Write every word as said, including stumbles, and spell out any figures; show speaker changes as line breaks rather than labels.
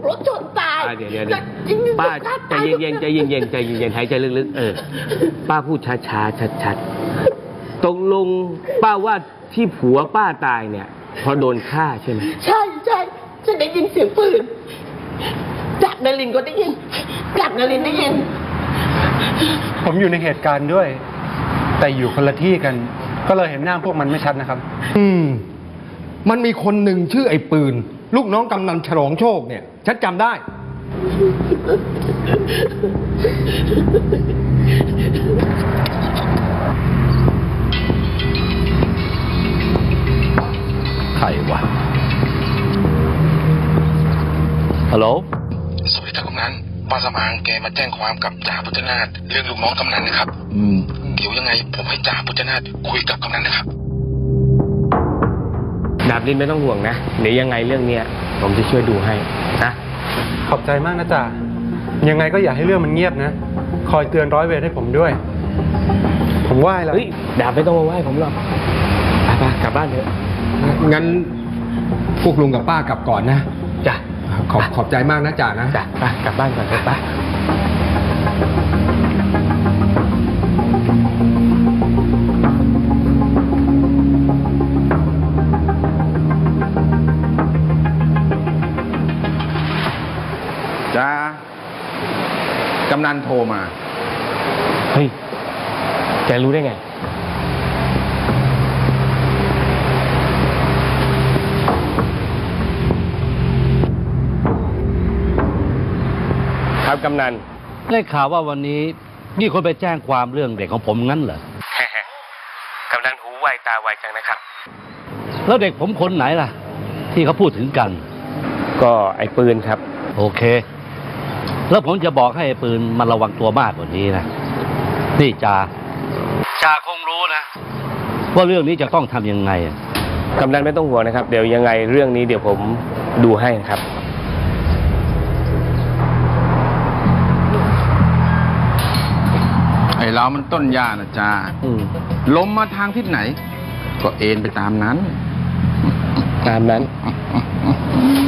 รถชนตาย
เดี๋ยวเดี๋ยวป้าใจเย็นๆใจเย็นๆใจเย็นๆหายใจลึกๆเออป้าพูดช้าๆชัดๆตกลงป้าว่าที่ผัวป้าตายเนี่ยเพราะโดนฆ่าใช่ไหม
ใช่ใช่ฉันได้ยินเสียงปืนจากนลินก็ได้ยินจากนลินได้ยิน
ผมอยู่ในเหตุการณ์ด้วยแต่อยู่คนละที่กันก็เลยเห็นหน้าพวกมันไม่ชัดนะครับ
อืมมันมีคนหนึ่งชื่อไอ้ปืนลูกน้องกำนันฉลองโชคเนี่ยฉันจำได้
ใครวะฮัลโหล
สวัสดีครับกำนันป้าสมางแกมาแจ้งความกับจ่าพุทธนาถเรื่องลูกน้องกำนันนะครับอืมเดี๋ยวยังไงผมให้จ่าพุทธนาถคุยกับกำนันนะครับ
ดาบลินไม่ต้องห่วงนะเดี๋ยวยังไงเรื่องเนี้ยผมจะช่วยดูให้นะ
ขอบใจมากนะจ่ายังไงก็อย่าให้เรื่องมันเงียบนะคอยเตือนร้อยเวรให้ผมด้วยผมไหว้แล้ว
เฮ้ยดาบไม่ต้องมาไหว้ผมหรอกไปๆกลับบ้านเถอะ
งั้นพวกลุงกับป้ากลับก่อนนะ
จ้ะ
ขอบขอบใจมากนะจ่านะ
จ้ะไปกลับบ้านก่อนเถอะไป
จ้ากำนันโทรมา
เฮ้ยแกรู้ได้ไงครับกำนัน
ได้ข่าวว่าวันนี้มีคนไปแจ้งความเรื่องเด็กของผมงั้นเหรอ
กำนันหูไวตาไวจังนะครับ
แล้วเด็กผมคนไหนล่ะที่เขาพูดถึงกัน
ก็ไอ้ปืนครับ
โอเคแล้วผมจะบอกให้ไอ้ปืนมันระวังตัวมากกว่านี้นะนี่จ่าจ่าคงรู้นะว่าเรื่องนี้จะต้องทำยังไง
กำนันไม่ต้องห่วงนะครับเดี๋ยวยังไงเรื่องนี้เดี๋ยวผมดูให้ครับ
ไอ้เรามันต้นหญ้านะจ้าลมมาทางทิศไหนก็เอ็นไปตามนั้น
ตามนั้น